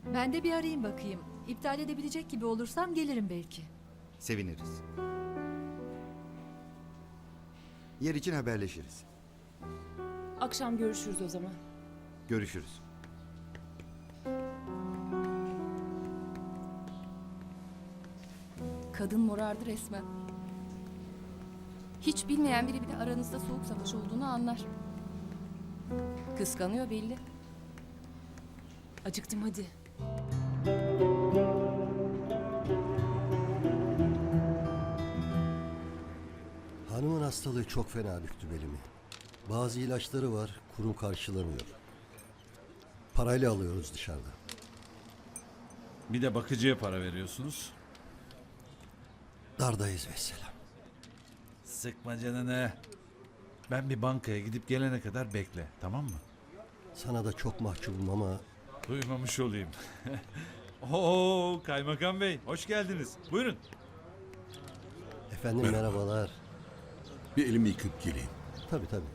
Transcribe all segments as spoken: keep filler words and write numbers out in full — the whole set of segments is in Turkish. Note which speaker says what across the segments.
Speaker 1: Ben de bir arayayım bakayım. İptal edebilecek gibi olursam gelirim belki.
Speaker 2: Seviniriz. Yer için haberleşiriz.
Speaker 3: Akşam görüşürüz o zaman.
Speaker 2: Görüşürüz.
Speaker 3: Kadın morardı resmen. Hiç bilmeyen biri bile aranızda soğuk savaş olduğunu anlar. Kıskanıyor belli. Acıktım hadi.
Speaker 4: Hanımın hastalığı çok fena büktü belimi. Bazı ilaçları var, kurum karşılamıyor. Parayla alıyoruz dışarıda.
Speaker 5: Bir de bakıcıya para veriyorsunuz.
Speaker 4: Dardayız vesselam.
Speaker 5: Sıkma canını. Ben bir bankaya gidip gelene kadar bekle, tamam mı?
Speaker 4: Sana da çok mahcubum ama
Speaker 5: Duymamış olayım. Oo, Kaymakam Bey, hoş geldiniz. Buyurun.
Speaker 4: efendim merhabalar.
Speaker 6: Bir elimi yıkıp geleyim.
Speaker 4: Tabii tabii.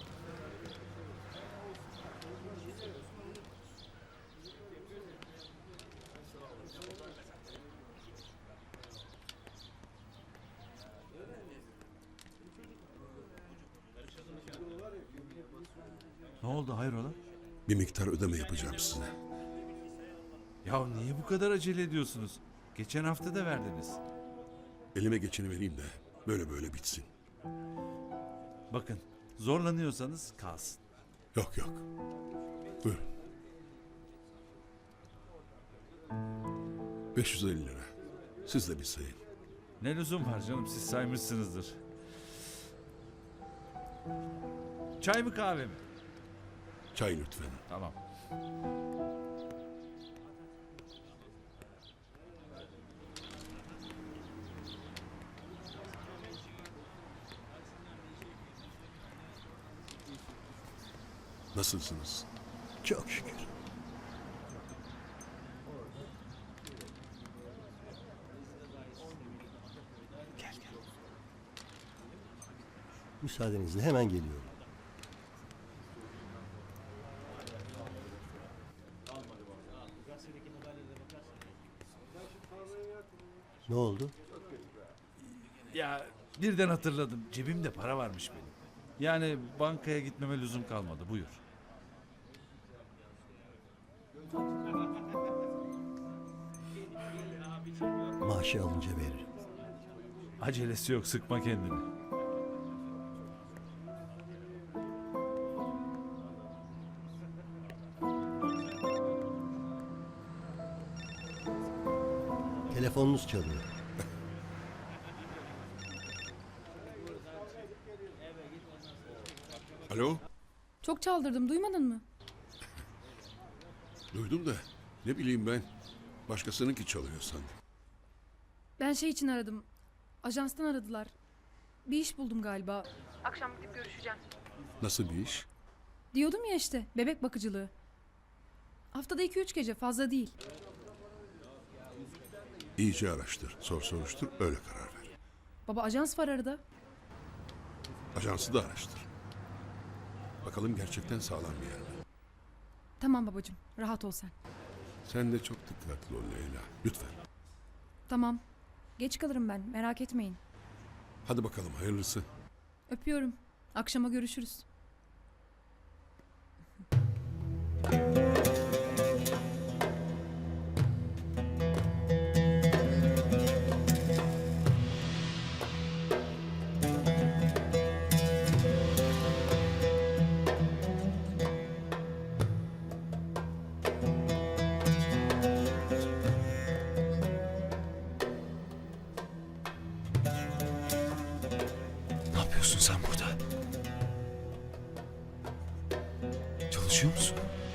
Speaker 5: Ne oldu, hayrola?
Speaker 6: Bir miktar ödeme yapacağım size.
Speaker 5: Ya niye bu kadar acele ediyorsunuz? Geçen hafta da verdiniz.
Speaker 6: Elime geçeni vereyim de böyle böyle bitsin.
Speaker 5: Bakın, zorlanıyorsanız kalsın.
Speaker 6: Yok yok. Buyurun. beş yüz elli lira. Siz de bir sayın.
Speaker 5: Ne lüzum var canım, siz saymışsınızdır. Çay mı kahve mi?
Speaker 6: Çay lütfen.
Speaker 5: Tamam.
Speaker 6: Nasılsınız?
Speaker 4: Çok şükür.
Speaker 5: Gel gel.
Speaker 4: Müsaadenizle hemen geliyorum. Ne oldu?
Speaker 5: Ya birden hatırladım. Cebimde para varmış benim. Yani bankaya gitmeme lüzum kalmadı. Buyur.
Speaker 4: Maaşı alınca veririm.
Speaker 5: Acelesi yok, sıkma kendini.
Speaker 4: Telefonunuz çalıyor.
Speaker 6: Alo?
Speaker 7: Çok çaldırdım, duymadın mı?
Speaker 6: Duydum da ne bileyim ben. Başkasınınki çalıyor sandım.
Speaker 7: Ben şey için aradım. Ajanstan aradılar. Bir iş buldum galiba. Akşam gidip görüşeceğim.
Speaker 6: Nasıl bir iş?
Speaker 7: Diyordum ya işte, bebek bakıcılığı. Haftada iki üç gece, fazla değil.
Speaker 6: İyice araştır, sor soruştur, öyle karar ver.
Speaker 7: Baba, ajans var arada.
Speaker 6: Ajansı da araştır. Bakalım gerçekten sağlam bir yer mi?
Speaker 7: Tamam babacığım, rahat ol sen.
Speaker 6: Sen de çok dikkatli ol Leyla. Lütfen.
Speaker 7: Tamam. Geç kalırım ben, merak etmeyin.
Speaker 6: Hadi bakalım hayırlısı.
Speaker 7: Öpüyorum. Akşama görüşürüz.
Speaker 8: Ne yapıyorsun sen burada? Çalışıyor musun?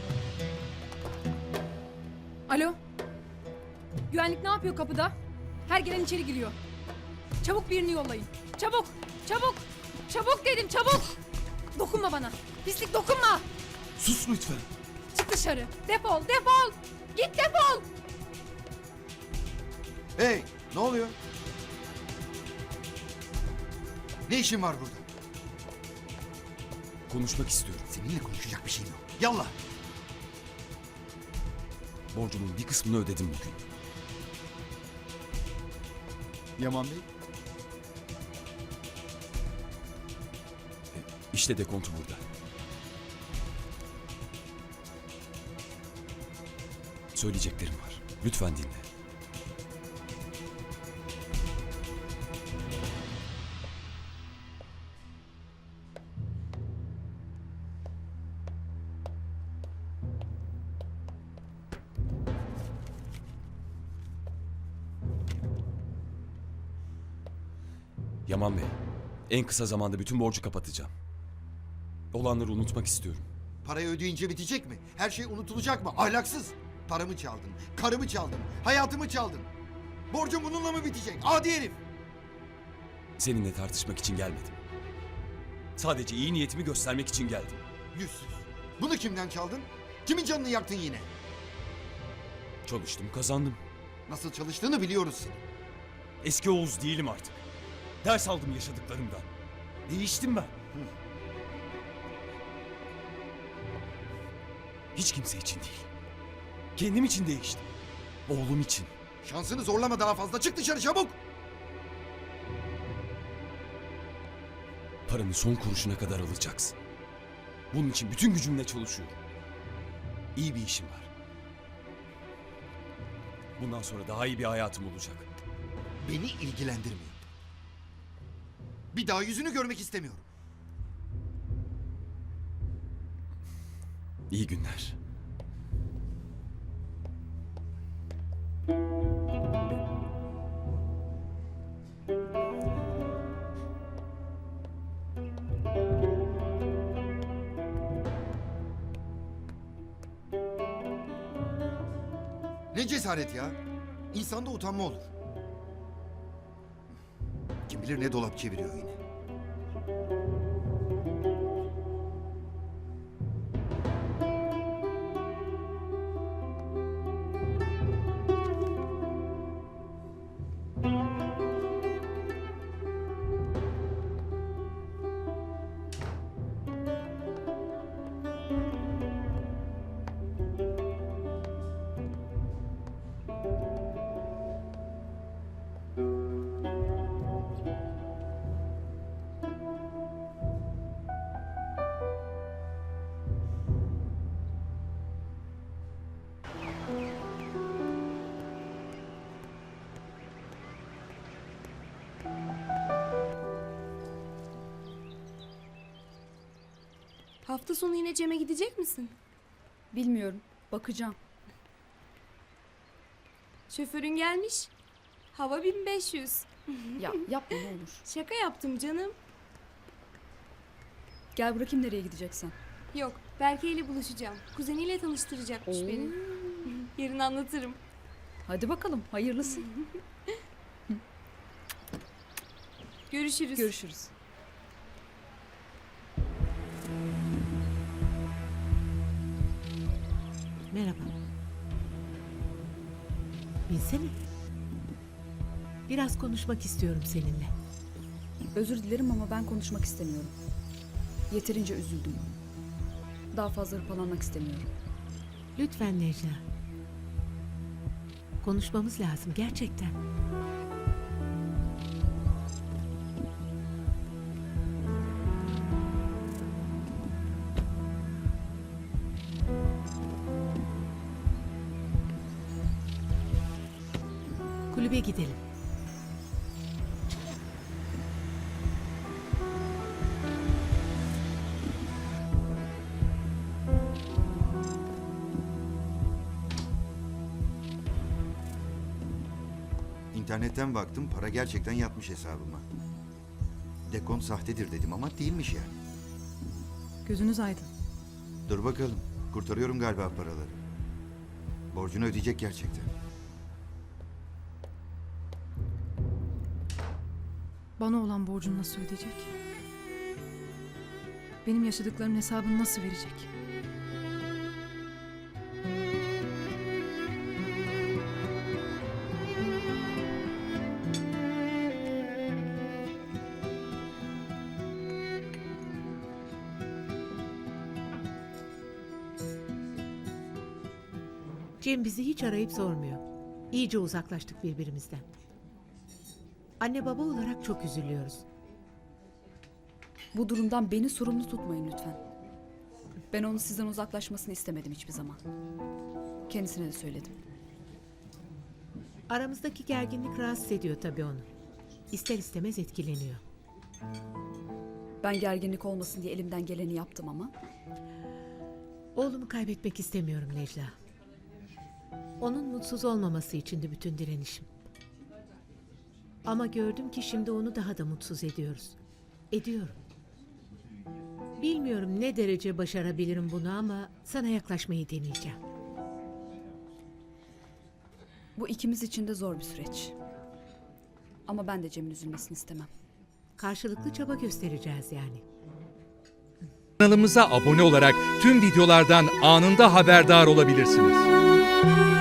Speaker 7: Alo. Güvenlik ne yapıyor kapıda? Her gelen içeri giriyor. Çabuk birini yollayın. Çabuk, çabuk, çabuk dedim, çabuk. Dokunma bana. Pislik, dokunma.
Speaker 8: Sus lütfen.
Speaker 7: Çık dışarı. Defol, defol. Git defol.
Speaker 2: Hey, ne oluyor? Ne işin var burada?
Speaker 8: Konuşmak istiyorum.
Speaker 2: Seninle konuşacak bir şeyim yok. Yallah.
Speaker 8: Borcumun bir kısmını ödedim bugün.
Speaker 2: Yaman Bey?
Speaker 8: İşte dekontu burada. Söyleyeceklerim var. Lütfen dinle. Yaman Bey, en kısa zamanda bütün borcu kapatacağım. Olanları unutmak istiyorum.
Speaker 2: Parayı ödeyince bitecek mi? Her şey unutulacak mı? Ahlaksız. Paramı çaldın, karımı çaldın, hayatımı çaldın. Borcum bununla mı bitecek? Adi herif.
Speaker 8: Seninle tartışmak için gelmedim. Sadece iyi niyetimi göstermek için geldim.
Speaker 2: Yüzsüz. Bunu kimden çaldın? Kimin canını yaktın yine?
Speaker 8: Çalıştım, kazandım.
Speaker 2: Nasıl çalıştığını biliyoruz seni.
Speaker 8: Eski Oğuz değilim artık. Ders aldım yaşadıklarımdan. Değiştim ben. Hiç kimse için değil. Kendim için değiştim. Oğlum için.
Speaker 2: Şansını zorlama daha fazla. Çık dışarı çabuk.
Speaker 8: Paranı son kuruşuna kadar alacaksın. Bunun için bütün gücümle çalışıyorum. İyi bir işim var. Bundan sonra daha iyi bir hayatım olacak.
Speaker 2: Beni ilgilendirmiyor. Bir daha yüzünü görmek istemiyorum.
Speaker 8: İyi günler.
Speaker 2: Ne cesaret ya. İnsanda utanma olur. Kim bilir ne dolap çeviriyor yine.
Speaker 9: Hafta sonu yine Cem'e gidecek misin?
Speaker 3: Bilmiyorum. Bakacağım.
Speaker 9: Şoförün gelmiş. Hava bin beş yüz.
Speaker 3: Ya yapma ne olur.
Speaker 9: Şaka yaptım canım.
Speaker 3: Gel bırakayım nereye gideceksen.
Speaker 9: Yok, Berke ile buluşacağım. Kuzeniyle tanıştıracakmış
Speaker 3: Oo.
Speaker 9: beni. Yarın anlatırım.
Speaker 3: Hadi bakalım hayırlısı.
Speaker 9: Görüşürüz.
Speaker 3: Görüşürüz.
Speaker 10: Merhaba. Bilsene. Biraz konuşmak istiyorum seninle.
Speaker 3: Özür dilerim ama ben konuşmak istemiyorum. Yeterince üzüldüm. Daha fazla hırpalanmak istemiyorum.
Speaker 10: Lütfen Necla. Konuşmamız lazım gerçekten. Kulübe gidelim.
Speaker 2: İnternetten baktım, para gerçekten yatmış hesabıma. Dekont sahtedir dedim ama değilmiş yani.
Speaker 7: Gözünüz aydın.
Speaker 2: Dur bakalım, kurtarıyorum galiba paraları. Borcunu ödeyecek gerçekten.
Speaker 7: Bana olan borcunu nasıl ödeyecek? Benim yaşadıklarımın hesabını nasıl verecek?
Speaker 10: Cem bizi hiç arayıp sormuyor. İyice uzaklaştık birbirimizden. Anne baba olarak çok üzülüyoruz.
Speaker 3: Bu durumdan beni sorumlu tutmayın lütfen. Ben onun sizden uzaklaşmasını istemedim hiçbir zaman. Kendisine de söyledim.
Speaker 10: Aramızdaki gerginlik rahatsız ediyor tabii onu. İster istemez etkileniyor.
Speaker 3: Ben gerginlik olmasın diye elimden geleni yaptım ama
Speaker 10: Oğlumu kaybetmek istemiyorum Necla. Onun mutsuz olmaması içindi bütün direnişim. Ama gördüm ki şimdi onu daha da mutsuz ediyoruz. Ediyorum. Bilmiyorum ne derece başarabilirim bunu ama sana yaklaşmayı deneyeceğim.
Speaker 3: bu ikimiz için de zor bir süreç. Ama ben de Cem'in üzülmesini istemem.
Speaker 10: Karşılıklı çaba göstereceğiz yani.
Speaker 11: Kanalımıza abone olarak tüm videolardan anında haberdar olabilirsiniz.